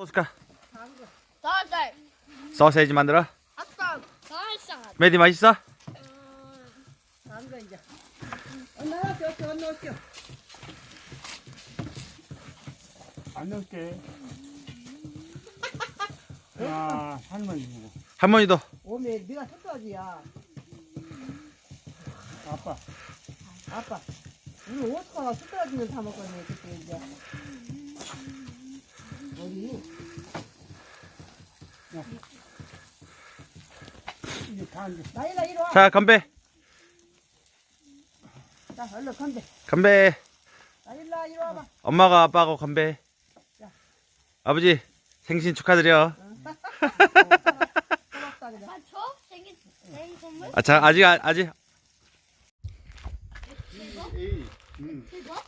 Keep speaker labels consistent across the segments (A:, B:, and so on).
A: 소스카
B: 살살.
A: 소세지 만들어.
B: 아까 살살.
A: 메디 맛있어?
C: 안돼 이제. 나와줘, 넣었죠.
D: 안 넣을게. 야, 할머니 주고.
A: 할머니도.
C: 오메 네가 섞어야지야.
D: 아빠.
C: 아빠. 우리 오스카가 숟가락이면 다 먹었네 그때 이제. 어디?
D: 이게 다 이제.
C: 나일라 이리 와.
A: 자, 건배.
C: 자, 얼른 건데.
A: 건배.
C: 나일라 이리 와봐.
A: 엄마가 아빠하고 건배.
C: 자.
A: 아버지 생신 축하드려.
C: 고맙다 그래.
B: 아, 저 생일 선물?
A: 아, 자, 아직.
D: 에이, 응.
B: 이거?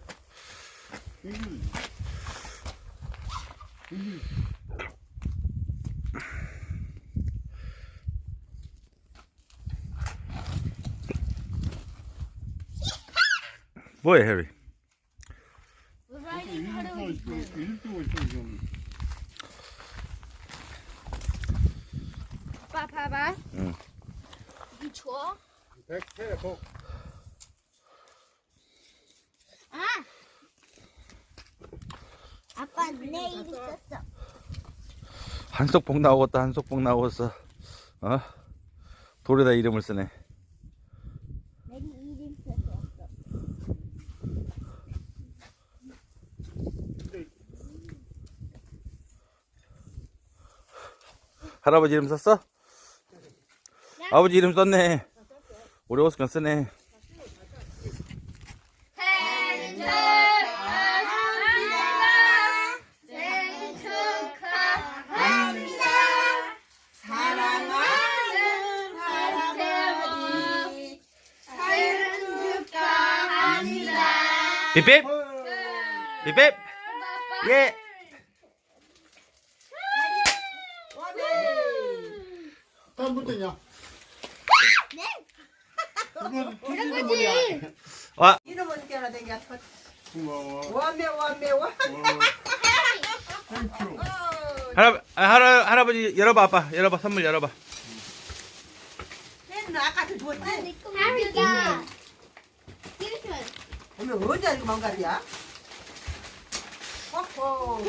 A: 뭐해, 해리?
B: riding 하루
D: 일도 있어, 좀.
B: 아빠 봐봐.
A: 응.
B: 이 줘.
D: 백태복.
B: 아. 아빠 내일 있었어.
A: 한속복 나오겠다. 한속복 나오겠어. 어? 돌에다 이름을 쓰네.
B: 내일 이름 썼어.
A: 할아버지 이름 썼어? 아버지 이름 썼네. 우리 오스카 쓰네.
B: 생일 축하합니다. 생일 축하합니다. 사랑하는 할아버지 생일 축하합니다.
A: 삐삐. 삐삐. 예.
D: 또 묻더냐?
B: 네.
D: 그건 틀리는 거야.
A: 와.
C: 이름 어떻게 하나 댕겨?
D: 고마워.
C: 완매.
D: 땡큐.
A: 할아버지 열어봐. 아빠 열어봐. 선물 열어봐.
C: 쟤는 아까도 줬지?
B: 하루가 이렇게
C: 오늘 언제 이거 망가지야? 어허.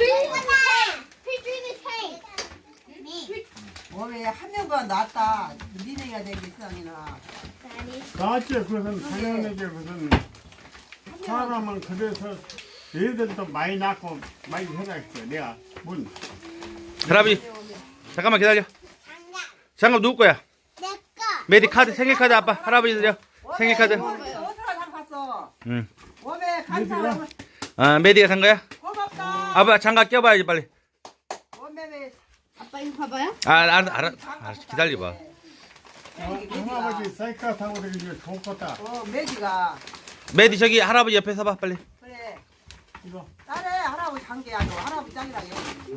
C: 오메 한 명보다 낫다. 니네가 되게 세상이나.
D: 나한테 그것은 당연하게 무슨 사람은 그래서 애들도 많이 낳고 많이 해놨어. 내가 문.
A: 할아버지 잠깐만 기다려. 장갑 누구 거야? 메디 카드 생일 카드 아빠 할아버지 드려. 생일 카드.
C: 어디서 샀어?
A: 응.
C: 오메 감사하고
A: 아 메디가 산 거야?
C: 고맙다.
A: 아빠 장갑 껴봐야지 빨리.
C: 오메
B: 아빠 이거 봐봐요.
A: 알았어 기다려봐.
D: 할아버지 사이클 타고 다니면 좋겠다.
C: 매지가
A: 메디 저기 할아버지 옆에 서봐 빨리.
C: 그래.
D: 이거
C: 딸에 할아버지 관계야. 너 할아버지 짱이라게.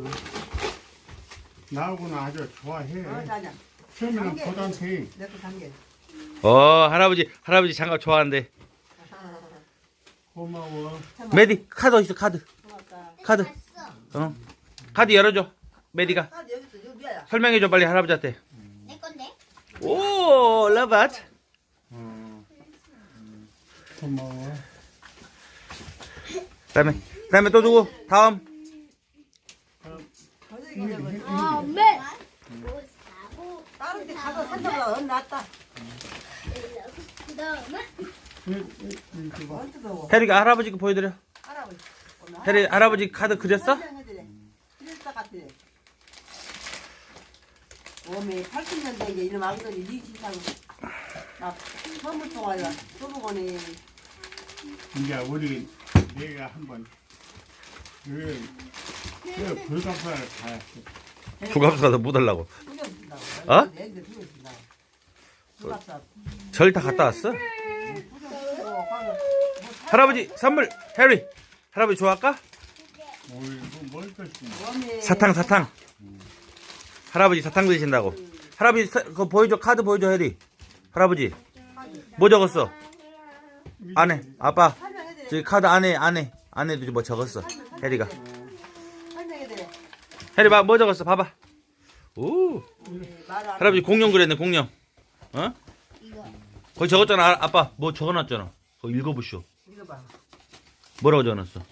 D: 나하고는 아주 좋아해.
C: 자자.
D: 처음에는 고단테
C: 내거 관계.
A: 할아버지 장갑 좋아한대.
D: 고마워.
A: 메디 카드 어디 있어 카드.
C: 고맙다.
A: 카드. 카드 열어줘. 메디가
C: 아 여기 있어. 여기 위야.
A: 설명해줘 빨리 할아버지한테.
B: 내 건데.
A: 오 러브앗.
D: 고마워.
A: 그다음에 또 누구? 다음.
B: 네.
C: 다른 데 가서 산다보다 넌 낫다.
B: 그다음에
D: 이거 봐.
C: 언제도
A: 해리가 할아버지 거 보여드려.
C: 할아버지.
A: 해리 할아버지 카드 그렸어?
C: 그랬다 같아. 오메 80년대 이제 이름 아기들이 니 진짜로 나 선물 통화야 소부거네.
D: 이제 우리 내가 한번 그 불가사를 가야지.
A: 부갑수가 못 하려고.
C: 죽여준다.
A: 어?
C: 애들 죽여준다. 죽었어.
A: 절 다 갔다 왔어? 할아버지 선물 해리. 할아버지 좋아할까?
D: 뭘 것이냐.
A: 사탕. 할아버지 사탕 드신다고. 할아버지 그거 보여줘. 카드 보여줘 해리. 할아버지 뭐 적었어? 안에 아빠 저기 카드 안에도 뭐 적었어 해리가.
C: 설명해 드려.
A: 해리 뭐 적었어? 봐봐. 오.
C: 말을 안
A: 할아버지 공룡 그랬네 공룡. 어?
B: 이거.
A: 거기 적었잖아. 아빠 뭐 적어놨잖아. 그거 읽어보시오.
C: 읽어봐.
A: 뭐라고 적어놨어?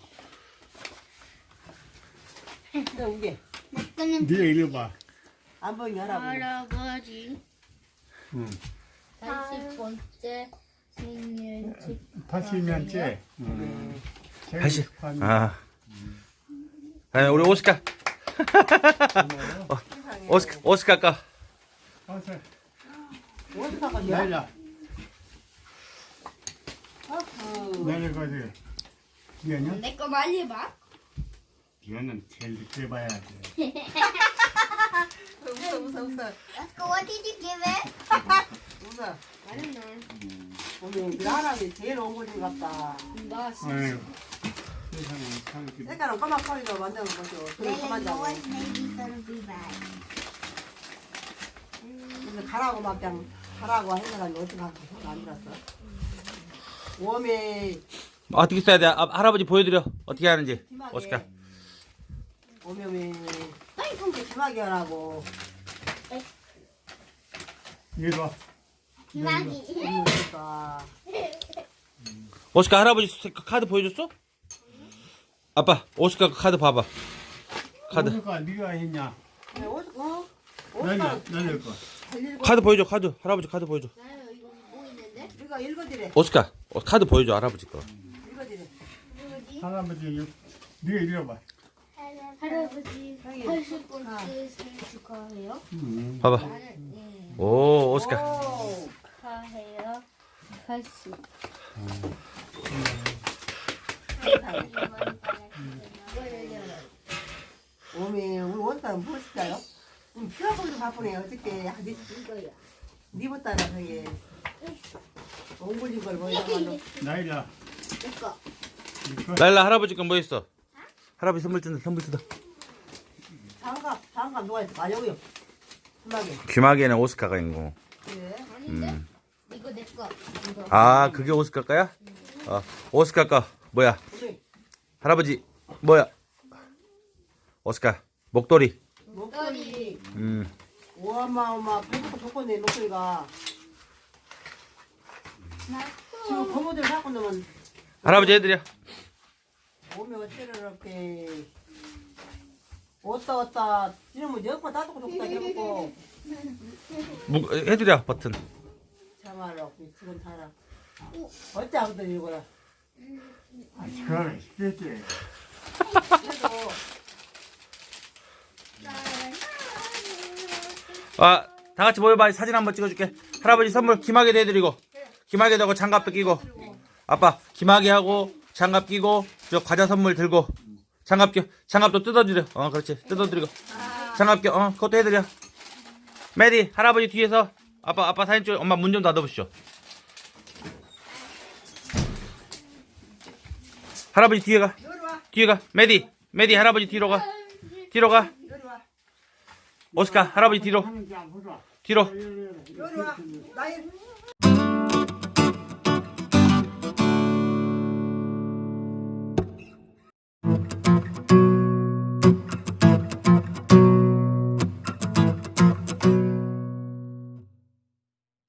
C: 자, 우게.
B: 내 거는
D: 네가 읽어봐.
C: 안 보이게 하라고.
B: 할아버지
D: 응.
B: 80번째 생일 축
D: 80년째.
A: 다시. 아. 아니 우리 오스카. 오스카 까.
D: 어서
C: 어디 가냐
D: 날라.
C: 아프.
D: 내려가지. 얘는
B: 내거 많이 봐.
D: 얘는 제일 늦게 봐야 돼.
C: 웃어.
B: Let's go. What did you give it?
C: 웃어.
B: I don't know.
C: 오늘 그 사람이 제일 옹골인 것 같다.
B: 나
D: 아유. 세상에 참 이렇게
C: 색깔은 까맣거리로 만드는 거죠. 그래 그만 자고.
B: maybe gonna be bad.
C: 그래서 가라고 막 그냥 가라고 하는 사람이 어떻게 안 들었어? 웜에
A: 어떻게 써야 돼? 할아버지 보여드려. 어떻게 하는지. 오스카.
C: 웜에 이렇게 심하게 하라고.
D: 이리 와.
B: 기막이.
C: 그러니까
A: 오스카 할아버지 카드 보여줬어? 아빠 오스카 카드 봐봐. 카드.
D: 오스카 네가 했냐?
C: 옷만
D: 날릴 거.
A: 카드 보여줘. 카드. 할아버지 카드 보여줘.
B: 나요 이거 뭐 있는데?
C: 네가 읽어지래.
A: 오스카 카드 보여줘. 할아버지 거.
C: 읽어지래.
B: 뭐지?
D: 할아버지 네가 읽어봐.
B: 할아버지
C: 형이.
B: 80번째 생일 축하해요.
A: 봐봐.
B: 나는 예.
A: 오 오스카.
C: 오.
B: 축하해요. 80.
C: 웜에 우리 원단은 무엇일까요? 피가 보기도 바쁘네. 어저께
B: 이거야.
C: 니보다는 저기 옹골인 걸 보이다가도
D: 나이라.
B: 내거.
D: 이거
A: 라일라 할아버지 건 뭐 있어? 할아버지 선물 뜯어. 선물 뜯어.
C: 장갑 누가 있어? 아 여기요. 심하게.
A: 귀마개는 오스카가 있는 거.
C: 그래.
B: 아닌데? 이거 내 거. 이거.
A: 아 그게 오스카 거야? 오스카 거 뭐야?
C: 우리
A: 할아버지 뭐야? 오스카 목도리.
C: 목소리 어마어마 배고프 좋겠네 목소리가. 지금 고모들 갖고 놓으면
A: 할아버지 해드려.
C: 몸에 어째를 이렇게 왔다 이러면 옆에 따뜻고 좋다 해보고
A: 해드려 버튼.
C: 참말로 지금 살아. 어째 아무튼 이거라.
D: 아 그거는 쉽겠지.
C: 그래도
A: 다 같이 모여봐. 사진 한번 찍어줄게. 할아버지 선물 귀마개도 해드리고 귀마개도 하고 장갑도 끼고 아빠 귀마개 하고 장갑 끼고 저 과자 선물 들고 장갑도 뜯어드려. 그렇지 뜯어드리고 장갑 껴 그것도 해드려. 메디 할아버지 뒤에서 아빠 사진 찍어. 엄마 문 좀 닫아보시오. 할아버지 뒤에 가 메디 할아버지 뒤로 가
C: 요리 와.
A: 오스카 할아버지 뒤로
D: 하는지 안 보자.
A: 뒤로
C: 요리 와. 나이